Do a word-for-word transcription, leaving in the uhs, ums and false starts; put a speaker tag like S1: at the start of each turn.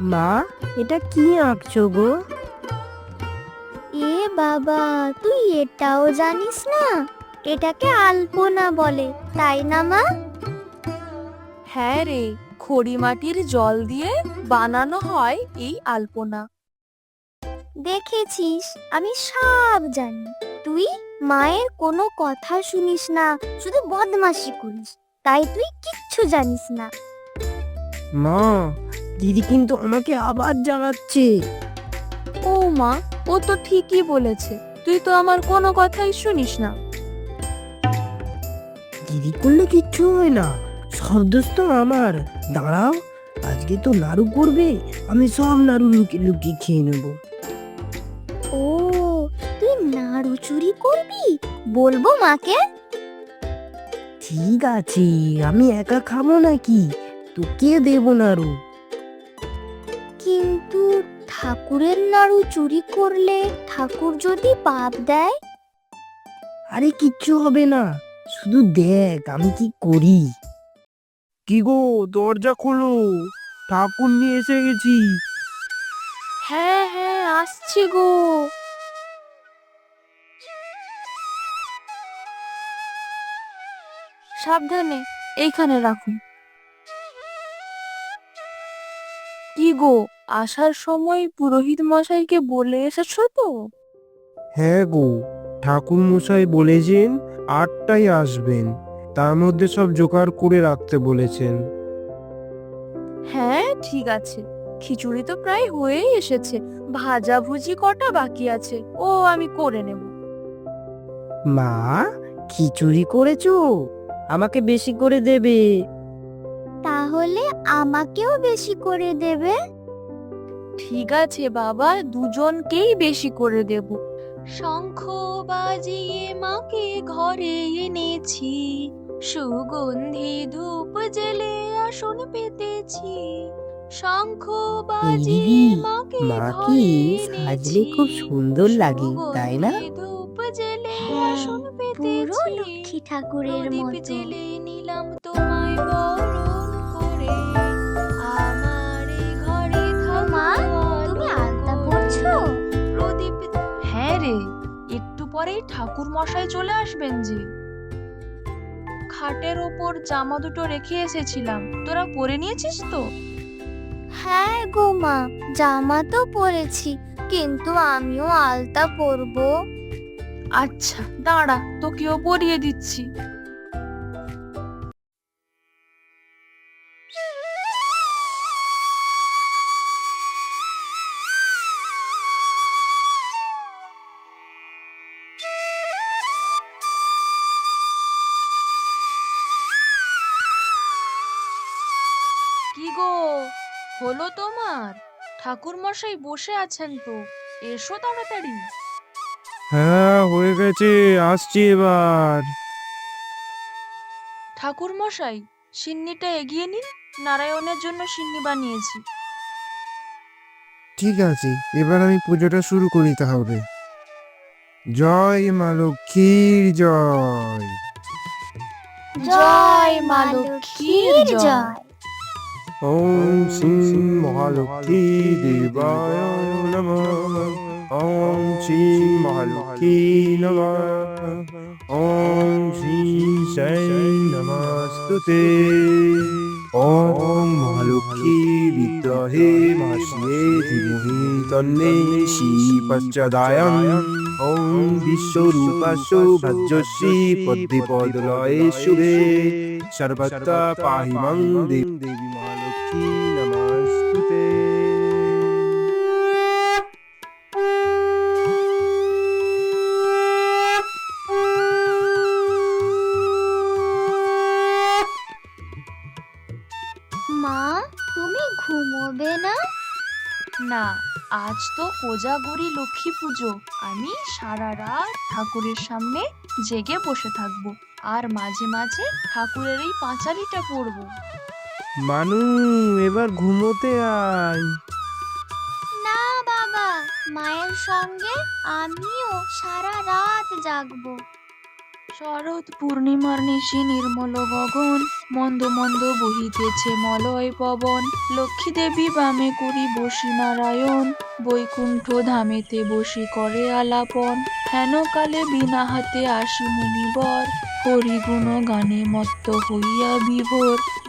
S1: মা, এটা কি আঁকছো গো?
S2: এ বাবা, তুই এটাও জানিস না? এটাকে আলপনা বলে, তাই না মা?
S3: হ্যাঁ রে, খড়ি মাটির জল দিয়ে বানানো হয় এই আলপনা।
S2: দেখেছিস, আমি সব জানি। তুই মায়ের কোনো কথা শুনিস না, শুধু বদমাশি করিস, তাই তুই কিচ্ছু জানিস না।
S1: মা, দিদি কিন্তু আমাকে আবার জ্বালাচ্ছে।
S3: ও মা, ও তো ঠিকই বলেছে, তুই তো আমার কোনো কথাই শুনিস না।
S1: দিদি করলে কিচ্ছু হয় না, সব দোষ তো আমার। দাঁড়াও, আজকে তো নাড়ু করবে, আমি সব নাড়ু লুকিয়ে লুকিয়ে খেয়ে নেবো।
S2: ও, তুই নাড়ু চুরি করবি? বলবো মাকে।
S1: ঠিক আছে, আমি একা খাবো নাকি, তোকে দেবো নাড়ু।
S2: কিন্তু ঠাকুরের নাড়ু চুরি করলে ঠাকুর যদি পাপ দেয়?
S1: আরে কিচ্ছু হবে না, শুধু দেখ আমি কি করি। কি গো, দরজা খোলো, ঠাকুর নিয়ে এসে গেছি।
S3: হ্যাঁ হ্যাঁ, আসছি গো। সাবধানে, এইখানে রাখুন। কি গো, আসার সময় পুরোহিত মশাইকে বলে এসেছো তো?
S4: হ্যাঁ গো, ঠাকুর মশাই বলেছেন আটটায় আসবেন, তার মধ্যে সব জোগাড় করে রাখতে বলেছেন।
S3: হ্যাঁ ঠিক আছে, খিচুড়ি তো প্রায় হয়েই এসেছে, ভাজাভুজি কটা বাকি আছে, ও আমি করে নেব।
S1: মা, খিচুড়ি করেছো? আমাকে বেশি করে দেবে।
S2: তাহলে আমাকেও বেশি করে দেবে।
S3: ঠিক আছে বাবা, দুজনকেই বেশি করে দেব। শঙ্খ বাজিয়ে মাকে ঘরে এনেছি, সুগন্ধি ধূপ জেলে আসন পেতেছি। শঙ্খ বাজিয়ে
S1: দিদি,
S3: মাকে
S1: মাকে
S3: ঘরে
S1: সাজলে
S3: এনেছি,
S1: খুব সুন্দর লাগে, তাই না?
S3: সুগন্ধি ধূপ জেলে
S2: হ্যাঁ,
S3: আসন
S2: পুরো
S3: পেতেছি।
S2: লক্ষ্মী ঠাকুরের
S3: প্রদীপ
S2: মতো।
S3: জেলে নিলাম তোমায় বরণ করে, আমার এই ঘরে
S2: মা, তুমি আলতা পরছো?
S3: প্রদীপ। হ্যাঁ রে, একটু পরেই ঠাকুর মশাই চলে আসবেন যে। খাটের ওপর জামা দুটো রেখে এসেছিলাম, তোরা পরে নিয়েছিস তো?
S2: হ্যাঁ গো মা, জামা তো পরেছি, কিন্তু আমিও আলতা পরবো।
S3: আচ্ছা দাঁড়া, তোকেও পরিয়ে দিচ্ছি। কি গো, হলো তোমার? ঠাকুর মশাই বসে আছেন তো, এসো তাড়াতাড়ি।
S4: হ্যাঁ হয়ে গেছে, আসছি এবার।
S3: ঠাকুর মশাই, সিন্নিটা এগিয়ে নিন, নারায়ণের জন্য সিন্নি বানিয়েছি।
S4: ঠিক আছে, এবার আমি পুজোটা শুরু করি তাহলে। জয় মা লক্ষ্মীর জয়।
S2: জয় মা লক্ষ্মীর জয়।
S4: ওম শ্রী মহালক্ষ্মী দেবায় নমঃ। ওম শ্রী মহালক্ষ্মী নমঃ। ওম শ্রী সাই নমস্তুতে। ওম মহালক্ষ্মী বিদ্মহে মহাশ্রী ধীমহি তন্নে শ্রী পশ্চদায়ং। ওম বিশ্বরূপাস্য ভজ্রশ্রী পদ্মে পদলয়ে শুভে সর্বত্র পাহি মাং দেবী মহালক্ষ্মী নমস্তুতে।
S2: মা, তুমি ঘুমোবে না?
S3: না, আজ তো কোজাগরি লক্ষ্মী পুজো, আমি সারা রাত ঠাকুরের সামনে জেগে বসে থাকবো, আর মাঝে মাঝে ঠাকুরের এই পাঁচালিটা পড়বো।
S4: মানু, এবার ঘুমোতে আয়।
S2: না বাবা, মায়ের সঙ্গে আমিও সারা রাত জাগবো।
S3: শরৎ পূর্ণিমার নিশি নির্মল গগন, মন্দ মন্দ বহিতেছে মলয় পবন। লক্ষ্মী দেবী বামে করি বসি নারায়ণ, বৈকুণ্ঠ ধামেতে বসি করে আলাপন। হেন কালে বিনা হাতে আসি মুনিবর, হরিগুণ গানে মত্ত হইয়া বিভোর।